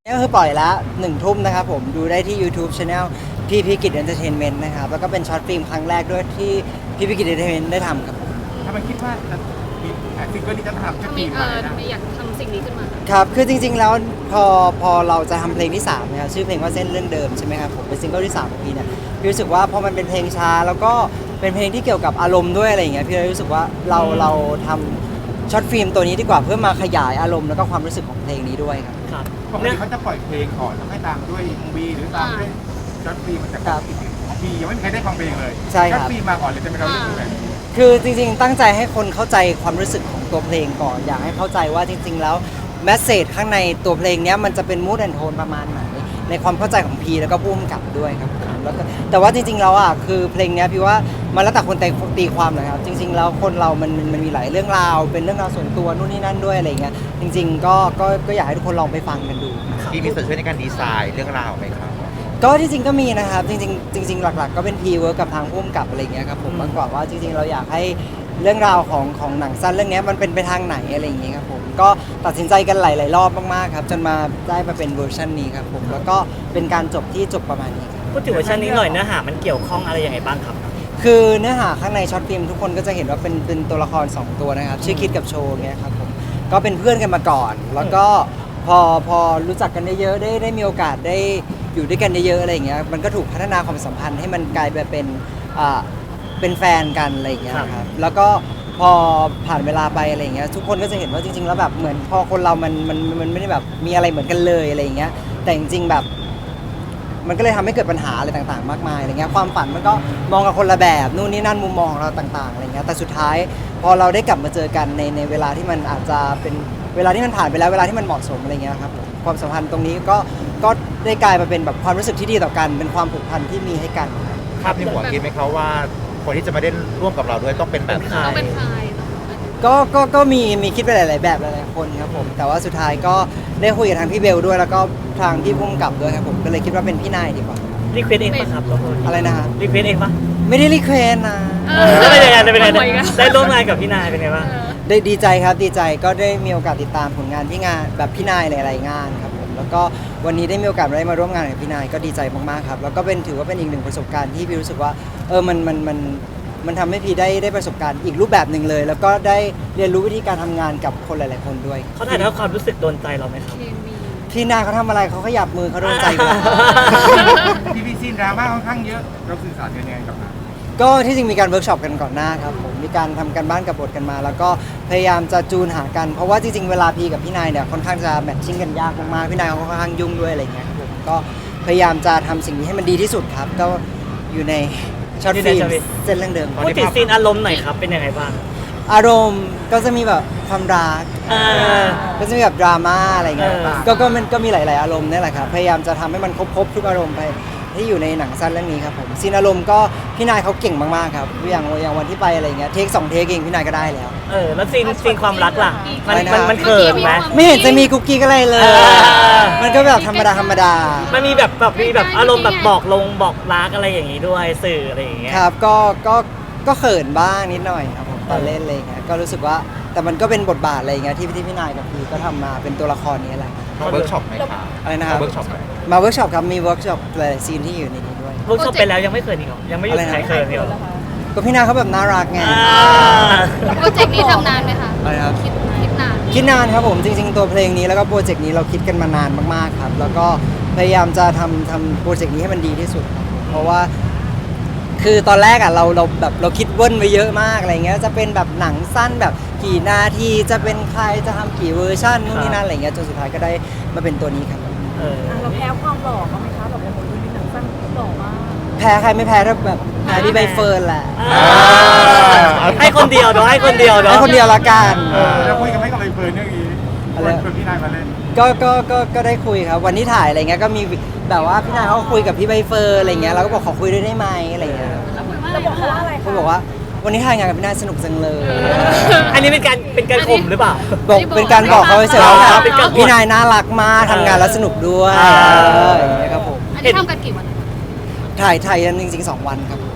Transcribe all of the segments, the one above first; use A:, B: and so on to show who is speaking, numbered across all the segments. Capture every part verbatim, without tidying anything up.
A: ก็คือปล่อยละหนึ่งทุ่มนะครับผมดูได้ที่ YouTube Channel พี่พิกิจ Entertainment นะครับแล้วก็เป็นช็อตฟิล์มครั้งแรกด้วยที่พี่พิกิจ Entertainment ได้ทำครับผม
B: ถ้ามันคิดว่าจะมีซิงเกิลนี้จะทำจะ
C: ทำไม
B: ปี
C: เอ
B: มา
C: อ
B: นะ
C: ทำไมอยากทำสิ่งนี้ขึ้นมา
A: ครับคือจริงๆแล้วพอพอเราจะทำเพลงที่สามนะครับชื่อเพลงว่าเส้นเรื่องเดิมใช่ไหมครับผมเป็นซิงเกิลที่สามของพี่เนี่ยพี่รู้สึกว่าพอมันเป็นเพลงช้าแล้วก็เป็นเพลงที่เกี่ยวกับอารมณ์ด้วยอะไรอย่างเงี้ยพี่เลยรู้สึกว่าเราเราทำช็อตฟิล์มตัวนี้ดีกว่าเพื่อมาขยายอารมณ์แล้วก็ความรู้สึกของเพลงนี้ด้วยครับ
D: ครับ
B: ปกติเขาจะปล่อยเพลงก่อนแล้วให้ตามด้วยเอ็มวีหรือตามด้วยช็อตฟิล์มมันจะ
A: ครับ
B: มียังไม่มีใครได้ฟังเพลงเลย
A: ใช่ครับ
B: ช็อตฟิล์มมาก่อนเลยจะเป็นเราเรื่องแบบนี้
A: คือจริงๆตั้งใจให้คนเข้าใจความรู้สึกของตัวเพลงก่อนอยากให้เข้าใจว่าจริงๆแล้วแมสเซจข้างในตัวเพลงเนี้ยมันจะเป็นมูดแอนโทนประมาณไหนในความเข้าใจของพีแล้วก็พุ่มกับด้วยครับผมแล้วก็แต่ว่าจริงๆแล้วอ่ะคือเพลงเนี้ยพี่ว่ามันแล้วแต่คนตีตีความนะครับจริงๆแล้วคนเรามันมันมันมีหลายเรื่องราวเป็นเรื่องราวส่วนตัวนู่นนี่นั่นด้วยอะไรเงี้ยจริงๆก็ก็ก็อยากให้ทุกคนลองไปฟังกันดู
E: พี่มีส่วนช่วยในการดีไซน์เรื่องราวไหมครับ
A: ก็ที่จริงก็มีนะครับจริงๆจริงๆหลักๆก็เป็นพีเวิร์กกับทางพุ่มกับอะไรเงี้ยครับผมมากกว่าว่าจริงๆเราอยากให้เรื่องราวของของหนังสั้นเรื่องนี้มันเป็นไปทางไหนอะไรอย่างเงี้ยครับผมก็ตัดสินใจกันหลายๆรอบมากๆครับจนมาได้มาเป็นเวอร์ชันนี้ครับผมแล้วก็เป็นการจบที่จบประมาณนี้ครับ
D: พูดถึงเวอร์ชันนี้หน่อยเนื้อหามันเกี่ยวข้องอะไรยังไงบ้างครับ
A: คือเนื้อหาข้างในช็อตฟิล์มทุกคนก็จะเห็นว่าเป็นเป็นตัวละครสองตัวนะครับชื่อคิดกับโชว์เงี้ยครับผมก็เป็นเพื่อนกันมาก่อน แล้วก็พอพอรู้จักกันเยอะๆได้ได้มีโอกาสได้อยู่ด้วยกันเยอะๆอะไรอย่างเงี้ยมันก็ถูกพัฒนาความสัมพันธ์ให้มันกลายไปเป็นอ่าเป็นแฟนกันอะไรอย่างเงี้ยครับแล้วก็พอผ่านเวลาไปอะไรอย่างเงี้ยทุกคนก็จะเห็นว่าจริงๆแล้วแบบเหมือนพอคนเรามันมันมันไม่ได้แบบมีอะไรเหมือนกันเลยอะไรอย่างเงี้ยแต่จริงๆแบบ มันก็เลยทำให้เกิดปัญหาอะไรต่างๆมากมายอะไรเงี้ยความฝันมันก็มองกับคนละแบบนู่นนี่นั่นมุมมองของเราต่างๆอะไรเงี้ยแต่สุดท้ายพอเราได้กลับมาเจอกันในในเวลาที่มันอาจจะเป็นเวลาที่มันผ่านไปแล้วเวลาที่มันเหมาะสมอะไรเงี้ยครับผมความสัมพันธ์ตรงนี้ก็ก็ได้กลายมาเป็นแบบความรู้สึกที่ดีต่อกันเป็นความผูกพันที่มีให้กัน
E: ภาพในหัวคิดไหมครับว่าคนที่จะมาเล่นร่วมกับเราด้วยต้องเป็นแบบไหน
C: ต้องเป็นใคร
A: ก็ก็ก็มีมีคิดไปหลายๆแบบหลายๆคนครับผมแต่ว่าสุดท้ายก็ได้คุยกับทางพี่เบลด้วยแล้วก็ทางพี่พุ่มกับด้วยครับผมก็เลยคิดว่าเป็นพี่นายดีกว่า
D: รีเควสเองปะครับ
A: อะไรนะฮะ
D: รีเควสเองปะ
A: ไม่ได้รีเควสนะ
C: เอ
D: เอ
C: อ
D: อแล้วเป็นยังไงเป็นยังไง
C: บ่อยๆกัน
D: ได้ร่วมงานกับพี่นายเป็นไงบ้าง
C: เออ
A: ได้ดีใจครับดีใจก็ได้มีโอกาสติดตามผลงานที่งานแบบพี่นายหลายๆงานครับผมแล้วก็วันนี้ได้มีโอกาสได้มาร่วมงานกับพี่นายก็ดีใจมากๆครับแล้วก็เป็นถือว่าเป็นอีกหนึ่งประสบการณ์ที่พี่รู้สึกว่าเออมันมันมันมันทำให้พี่ได้ได้ประสบการณ์อีกรูปแบบหนึ่งเลย แล้วก็ได้เรียนรู้วิธีการทำงานกับคนหลายๆคนด้วย
D: เขาถ่ายทอดความรู้สึกโดนใจเราไหมครับ
C: เคมี
A: พี่นายเขาทำอะไรเขาขยับมือเขาโดนใจอยู่แล้ว
B: ทีวีซีนดราม่าค่อนข้างเยอะเราสื่อสารกันยังไงกับมัน
A: ก็ที่จริงมีการเวิร์กช็อปกันก่อนหน้าครับผมมีการทำกันบ้านกับบทกันมา แล้วก็พยายามจะจูนหากันเพราะว่าจริงๆเวลาพีกับพี่นายเนี่ยค่อนข้างจะแมทชิ่งกันยากมากๆพี่นายเขาค่อนข้างยุ่งด้วยอะไรเงี้ยครับผมก็พยายามจะทำสิ่งนี้ให้มันดีที่สุดครับก็อยู่ในช็อต
D: อยู่ใน
A: ฟิล์
D: ช็
A: ม
D: อตฟิล์ม
A: เส้นเรื่องเดิม
D: พูดถึงซีนอารมณ์หน่อยครับเป็นยังไงบ้าง
A: อารมณ์ก็จะมีแบบความรัก
D: อ่า
A: ก็จะมีแบบดราม่าอะไรเงี้ย
D: เออ
A: ก็ก็มันก็มีหลาย ๆ อารมณ์นี่แหละครับพยายามจะทำให้มันครบๆทุกอารมณ์ไปที่อยู่ในหนังสั้นเรื่องนี้ครับผมซีนอารมณ์ก็พี่นายเขาเก่งมากๆครับอย่างอย่างวันที่ไปอะไรเงี้ยเทคสองเทคเองพี่นายก็ได้แล้ว
D: เออแล้วซีนซีนความรักล่ะมัน
A: อะไรนะ
D: มันมันเขินไหม
A: ไม่เห็นจะมีกุ๊กกิ๊กอะไรเลย
D: เออ
A: มันก็แบบธรรมดาธรรมดา
D: มันมีแบบแบบมีแบบอารมณ์แบบบอกลงบอกรักอะไรอย่างงี้ด้วยสื่ออะไรอย่างเงี้ย
A: ครับก็ก็ก็เขินบ้างนิดหน่อยครับผมตอนเล่นอะไรเงี้ยก็รู้สึกว่าแต่มันก็เป็นบทบาทอะไรเงี้ยที่ที่พี่นายกับพี่ก็ทำมาเป็นตัวละครนี้แหละ
E: มาเวิร์กช็อปไหมครับ
A: อะไรนะครับ
E: มาเวิร์กช็อปไหม
A: มาเวิร์กช็อปครับมีเวิร์กช็อปหลายๆซีนที่อยู่ในนี้ด้วย
D: เวิร์กช็อปไปแล้วยังไม่เขินอีกเหรอยังไม่หยุด
A: อะไรนะ
D: ใครเขินอีกเหรอ
A: ก็พี่นายเขาแบบน่ารักไง
D: อ่า
C: โปรเจกต์นี้ทำนานไหมคะ
A: อะไรครับ
C: คิดคิดนาน
A: คิดนานครับผมจริงๆตัวเพลงนี้แล้วก็โปรเจกต์นี้เราคิดกันมานานมากๆครับแล้วก็พยายามจะทำทำโปรเจกต์นี้ให้มันดีที่สุดครับผมเพราะว่า คือตอนแรกอ่ะเราเราแบบเราคิดเว้นไว้เยอะมากอะไรเงี้ยจะเป็นแบบหนังสั้นแบบกี่นาทีจะเป็นใครจะทำกี่เวอร์ชันนู่นนี่นั่นอะไรเงี้ยจนสุดท้ายก็ได้มาเป็นตัวนี้ครับ
D: เออ
F: อ่ะเราแพ้ความหล่อบ้างไหมคะแบบโอ้โหดูในหนังสั้นหล่อมาก
A: แพ้ใครไม่แพ้ถ้าแบบแพ้พี่ใบเฟิร์นแหละ
D: อ่าให้คนเดียวเนาะให้คนเดียวเนาะ
A: ให้คนเดียวละกัน
D: เออ
B: เราคุยกันไม่กับใบเฟิร์นเรื่องนี้
A: อะไร
B: ชวนพี่นายมาเล่น
A: ก็ก็ก็ก็ได้คุยครับวันที่ถ่ายอะไรเงี้ยก็มีแบบว่าพี่นายเขาก็คุยกับพี่ใบเฟิร์นอะไรเงี้ยเราก็บอกขอคุยด้วยได้ไหมอะไรเงี้ย
F: เราบอกเขาว่าอะไร
A: เขา
F: คะ
A: บอกว่าวันนี้ถ่ายงานกับพี่นายสนุกจังเลย
D: อันนี้เป็นการเป็นการข่มหรือเปล่า
A: บอกเป็นการบอกเขาเฉยๆว่า
D: เป็นการอวด
A: พี่นายน่ารักมากทำงานแล้วสนุกด้วย
D: อ่า
A: เอออย่างเงี้ยครับผม
C: อันนี้ทำกันกี่วัน
A: ถ่ายถ่ายกันจริงๆสองวันครับ
D: เ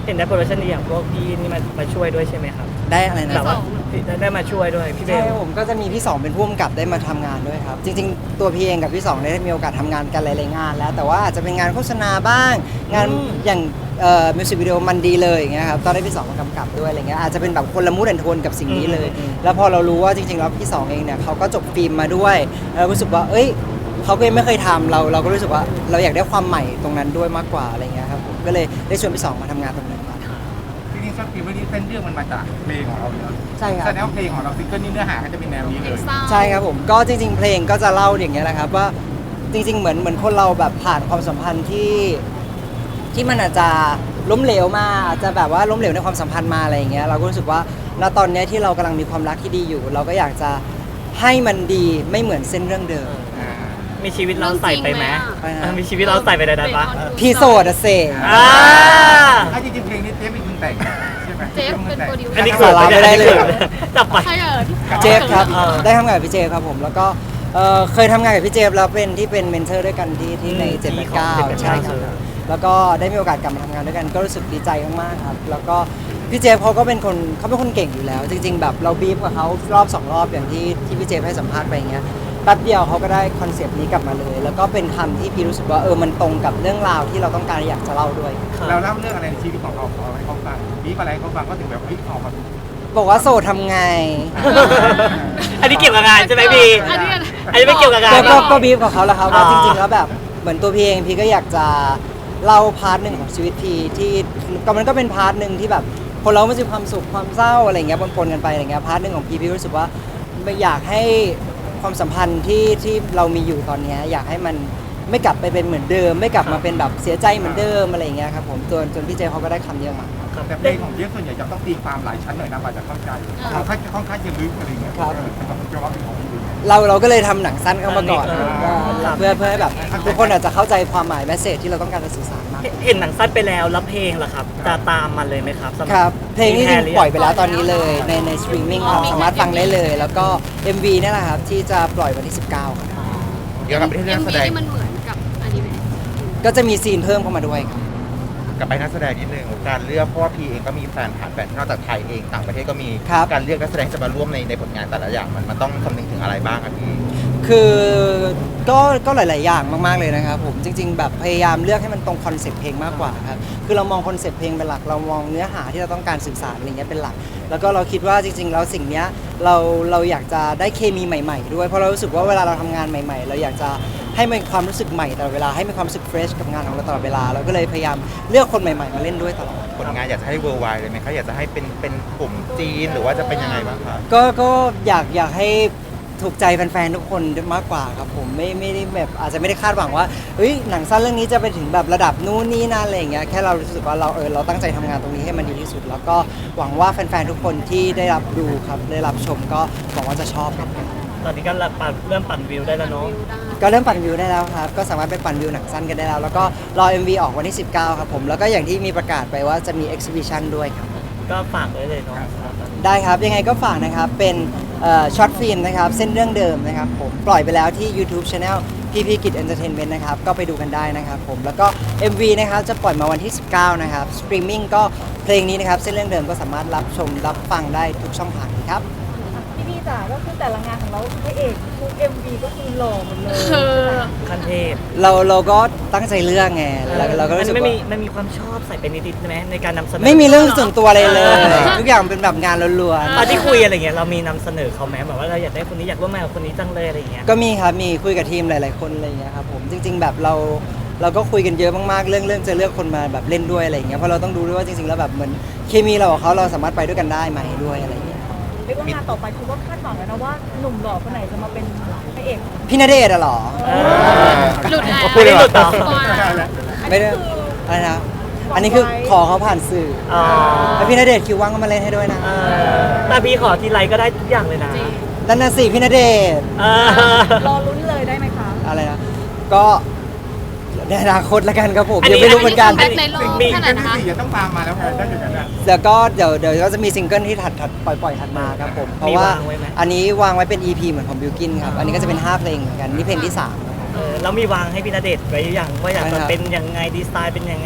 D: ห็นได้โปรดักชันดีอย่างพวกพี่นี่มามาช่วยด้วยใช่ไหมครับ
A: ได้อะไรนะ
D: แบบว่าได้ได้มาช่วยด้วยพี่เบ
A: ใช่
D: ล
A: ผมก็จะมีพี่สองเป็นผู้กำกับได้มาทำงานด้วยครับ จริง ๆ ตัวพี่เองกับพี่สองได้มีโอกาสทำงานกันหลายๆงาน แล้วแต่ว่าอาจจะเป็นงานโฆษณาบ้าง งาน
D: อืม
A: อย่างเอ่อมิวสิกวิดีโอมันดีเลยอย่างเงี้ยครับตอนได้พี่สองมากำกับด้วยอะไรเงี้ยอาจจะเป็นแบบคนละมูดแอนโทนกับสิ่งนี้เลย แล้วพอเรารู้ว่าจริงๆแล้วพี่สองเองเนี่ยเขาก็จบฟิล์มมาด้วยเรารู้สึกว่าเอ้ยเขาก็ยังไม่เคยทำเราเราก็รู้สึกว่าเราอยากได้ความใหม่ตรงนั้นด้วยมากกว่าอะไรเงี้ยครับผมก็เลยได้ชวนพี่สองมาทำงานตรงนั้นครับ
B: ทีนี้ช็อตฟิล์มวันนี้เส้นเรื่องมันมาจากเพลงของเราเลย
A: ใช่ครับ
B: แสดงว่าเพลงของเราซิงเกิลนี้เนื้อหาก็จะเป็นแนวนี้เลย
A: ใช่ครับผมก็จริง ๆ เพลงก็จะเล่าอย่างเงี้ยแหละครับว่าจริง ๆ เหมือนเหมือนคนเราแบบผ่านความสัมพันธ์ที่ที่มันอาจจะล้มเหลวมาอาจจะแบบว่าล้มเหลวในความสัมพันธ์มาอะไรอย่างเงี้ยเราก็รู้สึกว่าณตอนเนี้ยที่เรากำลังมีความรักที่ดีอยู่ เราก็อยากจะให้มันดีไม่เหมือนเส้นเรื่องเดิม
D: มีชีวิตเราใส่ไปไหม
A: ไปนะ
D: เออมีชีวิตเราใส่ไปในนั้นปะ
A: พี่โสดอะเซ
D: อ่า
B: ถ้าจริงๆเพลงนี้เจฟเป็นคนแต่งใช่ไหม
C: เจฟเป็นโปรดิวเซอร์
D: อันนี้
A: สาระไม่ได้เลย
D: จับไป
C: ใช่เออ
A: เจฟครับ
D: เออ
A: ได้ทำงานกับพี่เจฟครับผมแล้วก็เอ่อเคยทำงานกับพี่เจฟแล้วเป็นที่เป็นเมนเทอร์ด้วยกันที่ที่ใน
D: อืม
A: เจ็ด
D: ที่
A: แปดเก้า
D: ของเจ็ดแปดเก้า
A: ใช่ครับ
D: ใช่
A: แล้วก็ได้มีโอกาสกลับมาทำงานด้วยกันก็รู้สึกดีใจมากๆครับแล้วก็พี่เจฟเขาก็เป็นคนเขาเป็นคนเก่งอยู่แล้ว จริง ๆ แบบเราบีฟกับเขารอบสองรอบอย่างที่ที่พี่เจฟให้สัมภาษณ์ไปอย่างเงี้ยแป๊บเดียวเขาก็ได้คอนเซปต์นี้กลับมาเลย แล้วก็เป็นคำที่พี่รู้สึกว่าเออมันตรงกับเรื่องราวที่เราต้องการอยากจะเล่าด้วย
B: เราเล่าเรื่องอะไรในชีวิตของเราของเราให้เขาฟังบีบอะไรให้เขาฟังก็ถึงแบบเฮ้ยออกมา
A: บอกว่าโสดทำไง
D: อันนี้เกี่ยวกับงานใช่ไหมบี
C: อันนี้
D: อันนี้ไม่เกี่ยวกับงาน
A: ก็ก็ก็บีฟกับเขาแล้วครับว่า
D: อ่า
A: จริงๆแล้วแบบเหมือนตัวพี่เองพี่ก็อยากจะเล่าพาร์ทหนึ่งของชีวิตพี่ที่ก็มันก็เป็นพาร์ทหนึ่งที่แบบคนเราไม่มีความสุขความเศร้าอะไรเงี้ยปนๆกันไปอะไรเงี้ยพาร์ทหนึ่งของพี่พี่รู้สึกว่าไม่อยากให้ความสัมพันธ์ที่ที่เรามีอยู่ตอนเนี้ยอยากให้มันไม่กลับไปเป็นเหมือนเดิม ไม่กลับมาเป็นแบบเสียใจเหมือนเดิมอะไรเงี้ยครับผมจนจนพี่เจเขาก็ได้คำนี้ออกมา
D: ครับ
B: แต่เพลงของเจฟส่วนใหญ่จะต้องตีความหลายชั้นหน่อยนะกว่าจะเข้าใจค่อนข้างค่อนข้างจะลึกอะไรเงี้ย
A: ครับ
B: สำหรับจะว่าเป็นของพี่
A: เราเราก็เลยทำหนังสั้นเข้ามาก่อน
D: เออครับ
A: เพื่อเพื่อให้แบบทุกคนอาจจะเข้าใจความหมายแมสเซจที่เราต้องการจะสื่อสารมาก
D: เห็นหนังสั้นไปแล้วแล้วเพลงล่ะครับ จะตามมันเลยไหมครับสำห
A: ครับเพลงนี้จริง
D: หรื
A: ปล่อยไปแล้วตอนนี้เลยในในสตรีมมิ่งครับสามารถฟังได้เลย แล้วก็ เอ็ม วี เนี่ยแหละครับที่จะปล่อยวันที่ สิบเก้าครับ
E: เกี่ยวกับประเทศ
C: เอ็
E: นั
C: ม
E: กแส
C: วี
E: ดง
C: ที่มันเหมือนกับอนิเมะ
A: ก็จะมีซีนเพิ่มเข้ามาด้วยครับ
E: กับไปนักแสดงนิดนึงการเลือกเพราะว่าพีเองก็มีแฟนผ่านแฟนนอกจากไทยเองต่างประเทศก็มี
A: ครับ
E: การเลือกนักแสดงจะมาร่วมในในผลงานแต่ละอย่างมันมันต้องคำนึงถึงอะไรบ้างอะพี่
A: คือก็ก็หลาย ๆ อย่างมาก ๆ เลยนะครับผมจริง ๆ แบบพยายามเลือกให้มันตรงคอนเซ็ปต์เพลงมากกว่าครับคือเรามองคอนเซ็ปต์เพลงเป็นหลักเรามองเนื้อหาที่เราต้องการสื่อสารอะไรเงี้ยเป็นหลัก แล้วก็เราคิดว่าจริง ๆ แล้วสิ่งเนี้ยเราเราอยากจะได้เคมีใหม่ ๆ ด้วยเพราะเรารู้สึกว่าเวลาเราทำงานใหม่ ๆ เราอยากจะให้มันความรู้สึกใหม่ตลอดเวลาให้มีความรู้สึกเฟรชกับงานของเราตลอดเวลาเราก็เลยพยายามเลือกคนใหม่ ๆ มาเล่นด้วยตลอด
E: ผลงานอยากจะให้เวอร์ไวเลยไหมคะอยากจะให้เป็นเป็นกลุ่มจีนหรือว่าจะเป็นยังไงบ้างคะ
A: ก็ก็อยากอยากให้ถูกใจแฟนๆทุกคนมากกว่าครับผมไม่ไม่ได้แบบอาจจะไม่ได้คาดหวังว่าเฮ้ยหนังสั้นเรื่องนี้จะไปถึงแบบระดับนู้นนี่นั่นอะไรอย่างเงี้ยแค่เรารู้สึกว่าเราเออเราตั้งใจทำงานตรงนี้ให้มันดีที่สุด แล้วก็หวังว่าแฟนๆทุกคนที่ได้รับดูครับได้รับชมก็หวังว่าจะชอบครับ
D: ตอนนี้ก็ปั่นเริ่มปั่นวิวได้แล้วเนาะ
A: ก็เริ่มปั่นวิวได้แล้วครับก็สามารถไปปั่นวิวหนังสั้นกันได้แล้ว แล้วก็รอ เอ็ม วี ออกวันที่ สิบเก้า ครับผมแล้วก็อย่างที่มีประกาศไปว่าจะมี exhibition ด้วยครับ
D: ก็ฝากไว้เลยเนาะ
A: ได้ครับ ยังไงก็ฝากนะครับ เป็นช็อตฟิล์มนะครับ เส้นเรื่องเดิมนะครับผมปล่อยไปแล้วที่ YouTube Channel พีพี Kid Entertainment นะครับ ก็ไปดูกันได้นะครับผมแล้วก็ เอ็ม วี นะครับ จะปล่อยมาวันที่ สิบเก้า นะครับสตรีมมิ่งก็เพลงนี้นะครับ เส้นเรื่องเดิมก็สามารถรับชมรับฟังได้ทุกช่องทางครับ
F: พี่พี่จ๋าก็คือแต่ละงานของเราพระเอกทุก เอ็ม วี ก็คือหล่อหมดเลย
C: เออ
D: ขั้นเทพ
A: เราเราก็ตั้งใจเลือกไงเราเราก็รู้สึก
D: มันไม่มี
A: ว่า
D: มันมีความชอบใส่เป็นนิดๆใช่ไหมในการนำเสนอ
A: ไม่มีเรื่องส่วนตัวเลยเลย
D: เออ
A: ทุกอย่างเป็นแบบงานล้วน
D: ตอนที่คุยอะไรเงี้ยเรามีนำเสนอเขาไหมแบบว่าเราอยากได้คนนี้อยากร่วมงานกับคนนี้จังเลยอะไรเงี้ย
A: ๆก็มีครับมีคุยกับทีมหลาย ๆ คนอะไรอย่างเงี้ยครับผมจริง ๆ แบบเราเราก็คุยกันเยอะมากๆเรื่องเรื่องจะเลือกคนมาแบบเล่นด้วยอะไรอย่างเงี้ยเพราะเราต้องดูด้วยว่าจริง ๆ แล้วแบบเหมือนเคมีเรากับเขาเราสามารถไปด้วยกันได้ไหมด้วยอะไรอย่างเงี้ย
F: เรียกว่างานต่อไปคือว่าคาดหวังแล้วนะว่าหนุ่มหล่อคนไหนจะมาเป็นพระเอก
A: พี่ณเดชน์อะเหรอ
C: หลุดแล้ว
D: พูดเลยหลุดต่อ
C: สปอยล์
A: ไม่ได้อะไรนะอันนี้คือขอเขาผ่านสื่อ
D: อ๋อ
A: แล้วพี่ณเดชน์คิวว่างก็มาเล่นให้ด้วยนะ
D: เออแต่พี่ขอทีไรก็ได้ทุกอย่างเลยนะ
A: นั่นน่ะสิพี่ณเดชน์
D: เออ
F: รอลุ้นเลยได้ไหมคะ
A: อะไรนะก็ในอนาคตละกันครับผมยังไม่รู้เหมือนกัน
C: อันนี้ในโลก
B: มี
C: ข
B: กั
C: นาด
B: น
C: นะคะ
B: ที่สี่จะต้องตามมาแล้วแพนได้อย่างนั้นนะ
A: เดี๋ยวก็เดี๋ยวเดี๋ยวก็จะมีซิงเกิลที่ถัดถัดปล่อยปล่อยถัดมาครับผมเพราะว่าอันนี้วางไว้เป็น อี พี เหมือนของบิวกินครับอันนี้ก็จะเป็นห้าเพลงเหมือนกันนี่เพลงที่สามครับ
D: เออแล้วมีวางให้พี่ณเดชน์ไว้อย่างว่าอยาก
A: ใช่ครั
D: จะ
A: บ
D: เป็นยังไงดีไซน์เป็นยังไง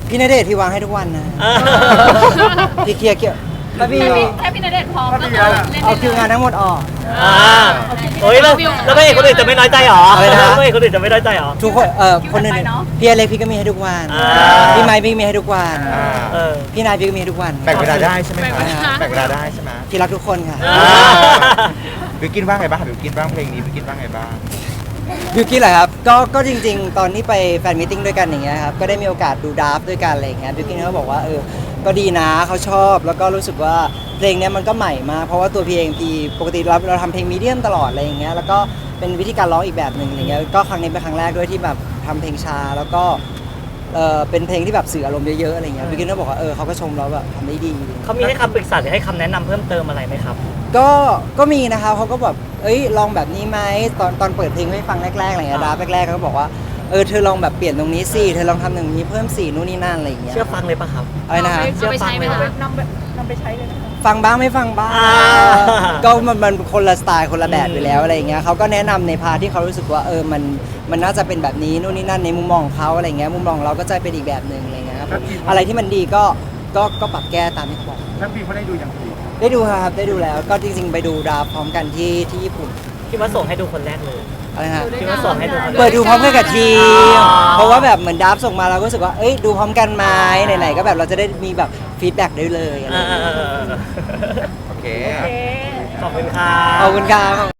A: พี่ณเดชน์ที่วางให้ทุกวันนะ
D: เออ
A: พี่เคลียร์เกี่ยวถ้าพี่
C: แค่พี่ณเดชน์พร้อมก็คือเล่น
A: เอา
C: ได้
A: คิวงานทั้งหมดออก
D: อ่าโอ้ยแล้วแล้วพระเอกคนอื่นจะไม่น้อยใจหรอ
A: อะไรนะ
D: พระเอกคนอื่นจะไม่น้อยใจหรอ
A: ทุกคนเอ่อคนอื่นพี่อเล็กพี่ก็มีให้ทุกวัน
D: อ่า
A: พี่ไมค์พี่มีให้ทุกวัน
E: อ่า
D: เออ
A: พี่นายพี่ก็มีให้ทุกวัน
E: แบ่งเวลาได้ใช่ไหม
C: แบ่ง
E: คะ
C: เวลา
E: แบ่งเวลาได้ใช่ไหม
A: พี่รักทุกคนค่ะ
D: อ่า
E: บิวกินบ้างไงบ้างบิวกินบ้างเพลงนี้บิวกินบ้างไงบ้าง
A: บิวกี้นเหรอครับก็ก็จริง ๆ ตอนที่ไปแฟนมิทติ้งด้วยกันอย่างเงี้ยครับก็ได้มีโอกาสดูดราฟต์ด้วยกันอะไรอย่างเงี้ยบิวกี้นเขาบอกว่าเออก็ดีนะเขาชอบแล้วก็รู้สึกว่าเพลงเนี้ยมันก็ใหม่มากเพราะว่าตัวพีเองพีปกติเราเราทำเพลงมีเดียมตลอดอะไรอย่างเงี้ยแล้วก็เป็นวิธีการร้องอีกแบบหนึ่งอะไรเงี้ยก็ครั้งนี้เป็นครั้งแรกด้วยที่แบบทำเพลงช้าแล้วก็เออเป็นเพลงที่แบบสื่ออารมณ์เยอะๆอะไรเงี้ยบิวกี้นก็บอกว่าเออเขาก็ชมเราแบบทำได้ดี
D: เขามีให้คำปรึกษาหรือให้คำแนะนำเพิ่มเติมอะไรไหมครับ
A: ก็ก็มีนะคะเขาก็แบบเอ้ยลองแบบนี้ไหมตอนตอนเปิดเพลงให้ฟังแรกๆอะไรเงี้ย
D: อ่า
A: ดราฟต์แรกๆเขาก็บอกว่าเออเธอลองแบบเปลี่ยนตรงนี้สิเธอลองทำตรงนี้เพิ่มสีนู่นนี่นั่นอะไรอย่างเงี้ย
D: เชื่อฟังเลยปะครับ
A: อะไรนะฮะ
C: เอาไปใช้ไหมคะ
F: นำไปนำไปใช้เลยนะคะ
A: ฟังบ้างไม่ฟังบ้าง
D: อ่า
A: ก็มันมันคนละสไตล์คนละแบบ
D: อืม
A: อยู่แล้วอะไรอย่างเงี้ยเขาก็แนะนำในพาร์ทที่เขารู้สึกว่าเออมันมันน่าจะเป็นแบบนี้นู่นนี่นั่นในมุมมองของเขาอะไรเงี้ยมุมมองของเราก็จะเป็นอีกแบบหนึ่งอะไรเงี้ยครับอะไรที่มันดีก็ก็ก็ปรับแก้ตามที่เขาบอก
B: ท่านพี่เขาได้ดูอย่างดี
A: ได้ดูครับได้ดูแล้วก็จริงๆ ไปดูดราฟต์พร้อมกันที่ที่ญี่ปุ่น
D: คิดว่าส่งให้ดูคนแรกเลย
A: อะไรนะฮะ
D: คิดว่าส่งให้ดูคนแรก
A: เปิดดูพร้อมกันกับทีม
D: อ๋อ
A: เพราะว่าแบบเหมือนดับส่งมาเราก็รู้สึกว่า เอ้ย ดูพร้อมกันไหมไหนๆ ก็แบบเราจะได้มีแบบฟีดแบ็กได้เลยอะไรอย่างเงี้ย
D: อ่าๆๆ
E: โอเค
F: โอเค
D: ๆขอบคุณครับ
A: ขอบคุณครับ